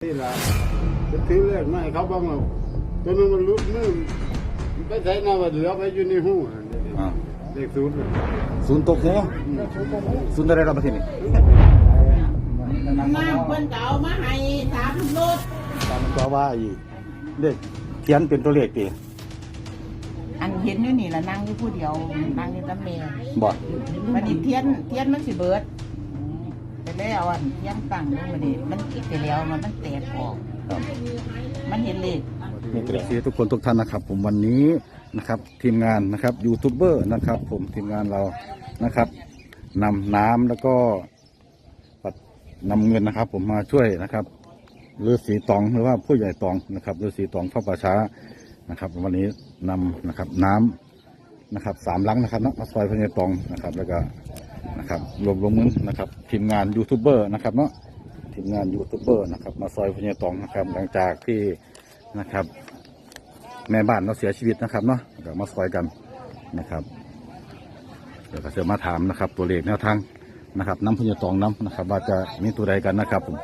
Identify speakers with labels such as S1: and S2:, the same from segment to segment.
S1: ละจะถือเลขมาให้เขาบ้างหรอกตัวนึงมันรุดมือไปใส่หน้าว่าเหลือไปอยู่ในหูเลขศูนย์
S2: ศูนย์ตกหัวศูนย์อะไรเราประเทศนี้
S3: น้ำเพิ่นเก่ามาให้3รถ
S2: ตามก็ว่าอีเลขเขียนเป็นตัวเลขตี
S3: อันเห็นอยู่นี่ละนั่งอยู่ผู้เดียวนั่งอยู่กับแม่
S2: บ่
S3: มันนี่เทียนมันสิเบิดไปแล้วอันเทียนตั้งลงมานี่มันคิดไปแล้วมันแตกออก
S2: ครับ
S3: มันเห็นเลข
S2: นี่ก็คือทุกคนทุกท่านนะครับ ผมวันนี้นะครับทีมงานนะครับยูทูบเบอร์นะครับ ผมทีมงานเรานะครับนำน้ำแล้วก็นำเงินนะครับ ผมมาช่วยนะครับฤาษีตองหรือว่าผู้ใหญ่ตองนะครับฤาษีตองเข้าป่าช้านะครับ วันนี้นำนะครับน้ำนะครับ3 ลังนะครับมาซอยพญาตองนะครับ แล้วก็นะครับรวมเงินนะครับทีมงานยูทูบเบอร์นะครับเนาะทีมงานยูทูบเบอร์นะครับมาซอยพญาตองนะครับหลังจากที่นะครับแม่บ้านเราเสียชีวิตนะครับเนาะเดี๋ยวมาซอยกันนะครับเดี๋ยวก็จะมาถามนะครับตัวเลขแนวทางนะครับน้ำพญาตองน้ำนะครับว่าจะมีตัวใดกันนะครับผม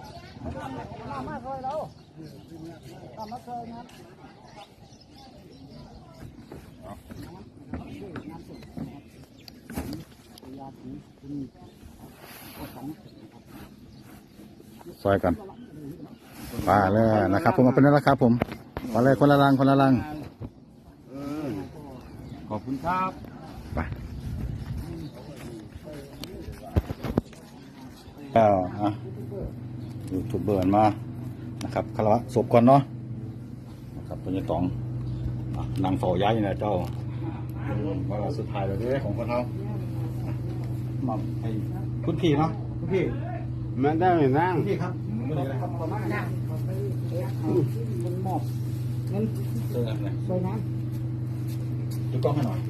S2: ซอยกันมาเลยนะครับผมมาเป็นแล้วครับผมมาเลยคนละลังคนละลัง
S1: ขอบคุณครับ
S2: ไปแล้วยูทูบเบอร์มานะครับคารวะศพก่อนเนาะนะครับพญาตองนางเฝ้าย้ายอยู่นะเจ้าว่าสุดท้ายแล้วเนี่ยของคนเขามาให้คุณพี่เนาะคุณพี่
S1: มันได้ไหมนั่ง
S2: คุณพี่ครับคุณพี่ครับประมาณนั้นมันหมอบเงินเจออะไรซอยน้ำดูกล้องให้หน่อย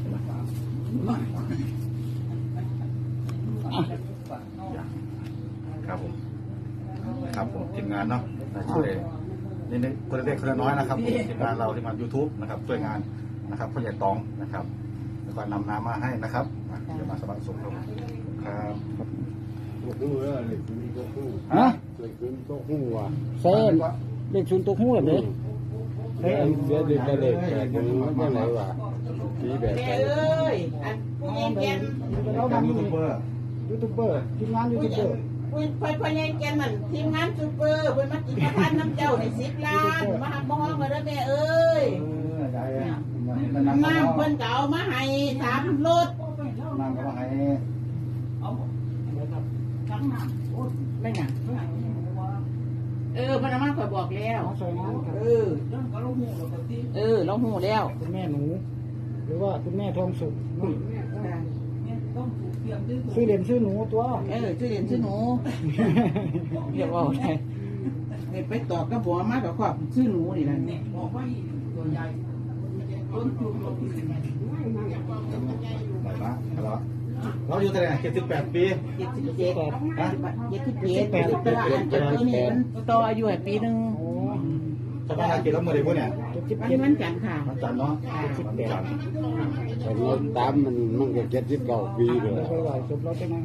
S2: ครับผมครับผมทีมงานเนาะช่วยนี่คนเล็กคนน้อยนะครับผมทีมงานเราทีมงาน YouTube นะครับช่วยงานนะครับผู้ใหญ่ตองนะครับแล้วก็นำน้ำมาให้นะครับเดี๋ยวมาสมัครสมครับครับ
S1: ตัวหูเลขศูนย์ตัวหู
S2: ฮะ
S1: เลขศูนย์ตัวหูว่ะ
S2: เซ่เลขศูนย์ตัวหูแบบนี้
S1: เฮ้ยเดี๋ยวจะเลขแต่ยังไม่ไหนว่ะสีแบบ
S3: แม่
S1: ไหน
S3: เอ้ยอันผู้ใหญ่แกน
S2: ยูทูบเบอร์ทีมงานยูทูบเบอร์
S3: ผู้ใหญ่แกนมันทีมงานซูเปอร์เพิ่นมากินประทานน้ำเจ้าใน10 ล้านมาหักมองมาเด้อแม่เอ้ยน้ำเพิ่นเก่ามาให้3รถ
S2: นางก็มาให้
S3: ไม่หยังเพิ่นเอามาข่อยบอกแล้วเราหูแล้ว
S4: คุณแม่หนูหรือว่าคุณแม่ทองสุขซื้อเหรียญซื้อหนูตัว
S3: ชื่อเรียนชื่อหนูเรียกว่าไงเนี่ยไปตอบก็บอกมากับความชื่อหนูนี่แหละเนี่ยบอกว่าตัวใหญ่ต้นทุน
S2: ไหนบ้างครับเราอยู่ที่ไหน78 ปี
S3: 77ฮะ77ตัวนี้มันต่ออายุให้ปีนึง
S2: ชาวบ้านกินแล้วมือได้พวกเนี่ย
S3: มันจันทร์ค่ะ
S2: มันจันเนาะมันจัน
S1: แต่เงินตามมันก็79 ปีเลย
S4: ไปไหวจบแล้วใช่ไหม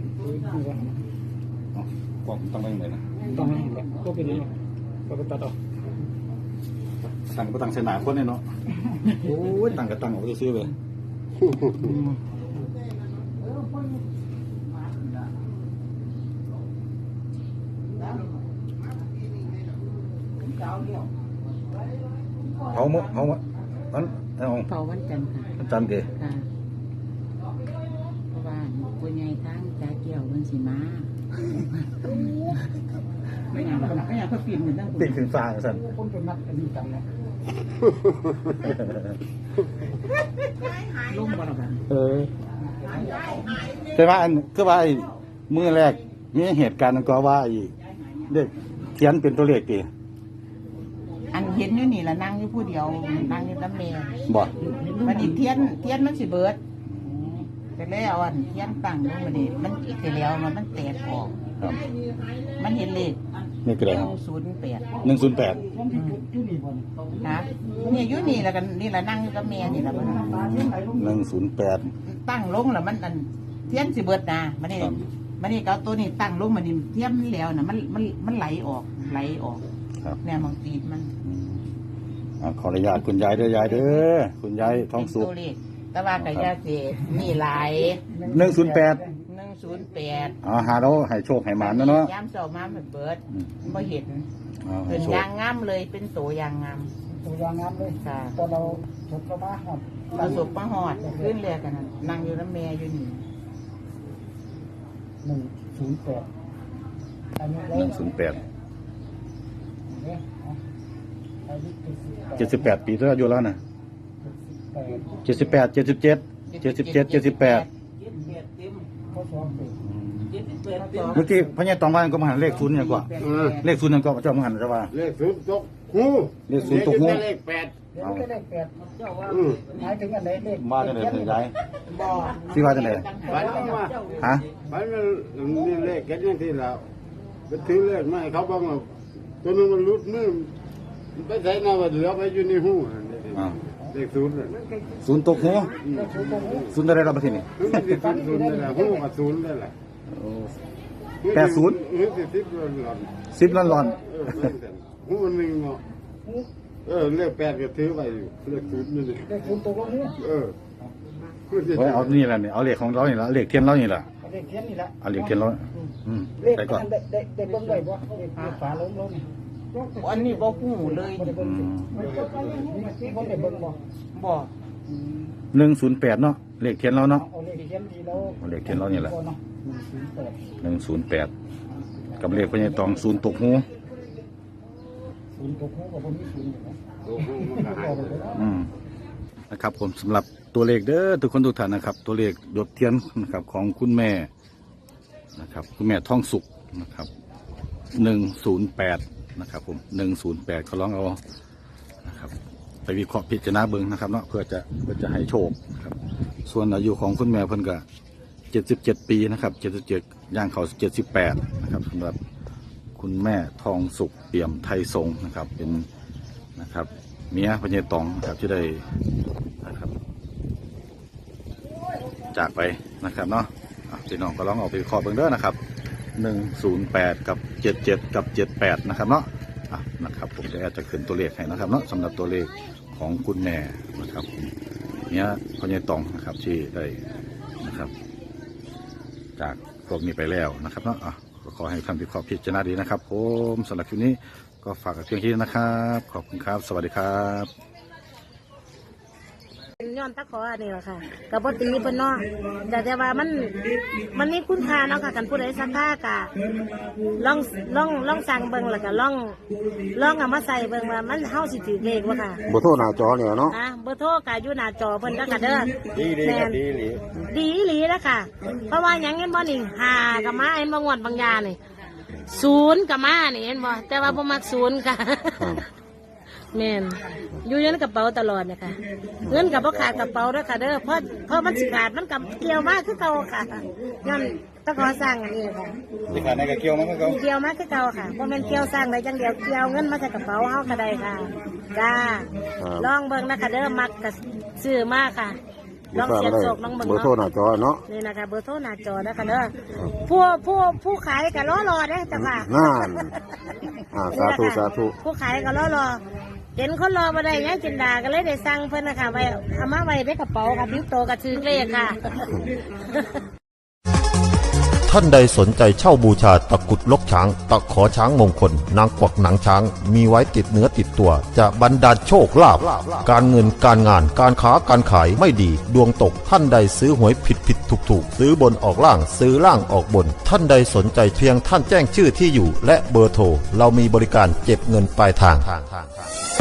S2: กล้องต้องไปไหนนะ
S4: ต้องให้แบบก็เป็นนี้ก็ไปตัดออก
S2: ตั้งก็ตั้งเสนาคนเนี่ยเนาะโอ้ยตั้งก็ตั้งเอาซื้อเลยเผาหมดมันเอา
S3: เผาวันจันทร์ค่ะ
S2: จันเก
S3: ค่ะเพราะว่าปุญญาทั้งจ่าเกี่ยวมันสิมาไม่อยากเขาปิ่นเหมือนตั้ง
S2: ปิดถึงฟ้าสั่น
S4: คนเป็นนักอันนี้กันนะ
S3: ลุ่มบ่ละกัน
S2: ใช่ไหมอันคือว่ามือแรกมีเหตุการณ์ก็ว่าเด็กเขียนเป็นตัวเลขตี
S3: อันเห็นอยู่นี่ละนั่งอยู่ผู้เดียวนั่งอยู่กับแม่
S2: บ่
S3: มันนี่เทียนมันสิเบิดไปแล้วอันเทียนตั้งลงมานี่มันคิดไปแล้วมันแตกออก
S2: ครับ
S3: มันเห็นเลข
S2: นี่คืออะไรครับ
S3: 108
S2: 108
S4: ที่นี่บน
S3: นะเนี่ยอยู่นี่แล้วกันนี่ละนั่งอยู่กับแม่นี่ละมัน
S2: 108
S3: ตั้งลงแล้วมันอันเทียนสิเบิดนะมันนี่
S2: ครับ
S3: มันนี่ก็เอาตัวนี้ตั้งลงมันนี่เทียมแล้วนะมันไหลออกนะไหลออก
S2: ครับ
S3: เนี่ยบางตีมัน
S2: ขออนุญาตคุณยายเด้อยายเด้อคุณยายทองสุข
S3: เป็นตัวเลขแต่ว่ากับยาเสพมีหลาย
S2: 108
S3: 108
S2: หาเราให้โชคให้หมานเนาะ
S3: ย้ำเสามาเหมือนเบิร์ดไม่เห็น
S2: ให้
S3: เป็น
S2: โชค
S3: ยางงามเลยเป็นตัวยางงาม
S4: ตัวยางงามเลย
S3: ค่ะ
S4: ตอนเราถกเข้ามาครับ
S3: ประสบประหอดขึ้นเรือกันนั่นนั่งอยู่น้ำแม่อยู่นี่
S4: 108อันนี้เรา
S2: 108
S4: เนี่ยอายุ
S2: 78 ปีแล้วอายุแล้วนะ78 77 77 78
S4: เขาสองปี
S2: เมื่อกี้พญาตองว่าก็มาหันเลขศูนย์อย่างกว่าเลขศูนย์อย่างก็เจ้ามาหันจะว่า
S1: เลขศูนย์ตกหู
S2: เลขศูนย์ตกหู
S1: เลข8
S4: เดี๋ยวก็ได้แปด
S1: อืม
S4: หมายถึงอันไหนเลข
S2: มาจังได๋ถึงยาย
S3: บ่อ
S2: สิว่าจังได๋
S1: ฝันว่า
S2: ฮะ
S1: ฝันมันนี่เลขแค่นี้ที่เราไปถือเลขมาให้เขาบ้างว่าตัวนึงมันรุดมือมันไปใส่หน้าว่าเหลือไปอยู่ในหูเลขศูนย์น่ะ
S2: ศูนย์ตกหูศูนย์ได้รับประเทศนี่
S1: มันสิศูนย์ได้แหละหูกับศูนย์ได้แหละ
S2: 80
S1: หรือสิบหลอน
S2: 10ล้านหลอน
S1: หูมันหนึ่งเนาะเลข8ก็ถือไว้อยู่เลขศูนย์นี่
S4: เลขศูนย์ตกลงนี้
S1: เออ
S2: โอ้ยเอานี่แหละนี่เอาเลขของเรานี่ละเลขเทียนเรานี่ละ
S4: เลขเทียนนี่แหละ
S2: เอาเลขเทียนเรา
S4: เลข
S2: ไปก่อน
S4: ได้เบิ่งได้บ่เลขฝาลงลงนี่
S3: อันนี้บ่หูเลย
S4: บ่ได้เบิ่งสิบ่ได้เบิ่งบ่
S3: บ่อ
S2: 108เนาะเลขเทียนเราเนาะ
S4: เอาเลขเทียนที่เรา
S2: เอาเลขเทียนเรานี่แหละ
S4: เนาะ
S2: 108กับเลขพญาตองศูนย์ตกหู
S4: ศูนย์ตกหูกับบ่มีศูนย์อยู่นะ
S2: นะครับผมสำหรับตัวเลขเด้อทุกคนทุกท่านนะครับ ตัวเลขหยดเทียนนะครับของคุณแม่นะครับคุณแม่ท่องสุขนะครับ108นะครับผม108เขาลองเอานะครับไปวิเคราะห์พิจารณาเบิ่งนะครับเนาะเพื่อจะให้โชคครับส่วนอายุของคุณแม่เพิ่นก็77 ปีนะครับ77ย่างเขา78นะครับสำหรับคุณแม่ทองสุขเปี่ยมไทยทรงนะครับเป็นนะครับเมียพญาตองนะครับที่ได้นะครับจากไปนะครับเนาะพี่น้องก็ลองเอาไปวิเคราะห์เบิ่งเด้อนะครับ108กับ77กับ78นะครับเนาะนะครับผมจะขึ้นตัวเลขให้นะครับเนาะสำหรับตัวเลขของคุณแม่นะครับเมียพญาตองนะครับที่ได้นะครับจากพวกนี้ไปแล้วนะครับเนาะก็ขอให้ท่านวิเคราะห์พิจารณาดีนะครับผมสำหรับคลิปนี้ก็ฝากกับเพียงแค่นี้นะครับขอบคุณครับสวัสดีครับ
S5: ย้อนตะขออันนี้แหละค่ะกับปตีเพิ่นเนาะแต่ว่ามันมีคุณค่าเนาะค่ะกันผู้ใดสักค่ากะลองสั่งเบิ่งแล้วก็ลองเอามาใส่เบิ่งว่ามันเฮาสิถือเลขบ่ค่ะ
S2: บ่โทรหน้าจอเนี่ยเนาะ
S5: เบอร์โทรก็อยู่หน้าจอเพิ่นแล้วก็เด้อ
S2: ดีครับดีหลี
S5: ดีอีหลีแล้วค่ะ เพราะว่าหยังเห็นบ่นี่5ก็มาเห็นบ่งวดบางยานี่0ก็มานี่เห็นบ่แต่ว่าบ่มัก0ค่ะแม่นอยู่ในกระเป๋าตลอดนะคะเงินกับพ่ขาดกระเป๋าด้วยค่ะเด้อเพราะมันสิขาดมันกับเกี่ยวมากคือเก่าค่ะย้อนต้องขอสร้างอันนี้ค่ะ
S2: ที่ขาดในกระเกี่ยวมันก็
S5: เกี่ยวมากคือเก่าค่ะเพราะมันเกี่ยวสร้างได้จังเดียวเกี่ยวเงินมาใส่กระเป๋าเฮาก็ได้ค่ะจ้าลองเบิ่งนะคะเด้อมักกับซื้อมากค่ะลองเสียบโศกลองเบิ่ง
S2: เบอร์โทรหน้าจอเนาะ
S5: นี่นะคะเบอร์โทรหน้าจอนะคะเด้อผู้ขายก็รอเด้อจ้ะค่ะ
S2: นั่นสาธุสาธุ
S5: ผู้ขายก็รอเห็นคนรอมาได้ยังจินดาก็เลยได้สั่งเพิ่นนะคะไว้เอามาไว้ในกระเป๋าค่ะทิ้งโตกับชื่อเลขค่ะ
S6: ท่านใดสนใจเช่าบูชาตะกรุดลกช้าง ตะขอช้างมงคล นางกวักหนังช้าง มีไว้ติดเนื้อติดตัว จะบรรดาลโชคลาภการเงินการงานการค้าการขายไม่ดี ดวงตกท่านใดซื้อหวยผิดถูกซื้อบนออกล่างซื้อล่างออกบน ท่านใดสนใจเพียงท่านแจ้งชื่อที่อยู่ และเบอร์โทรเรามีบริการเก็บเงินปลายทาง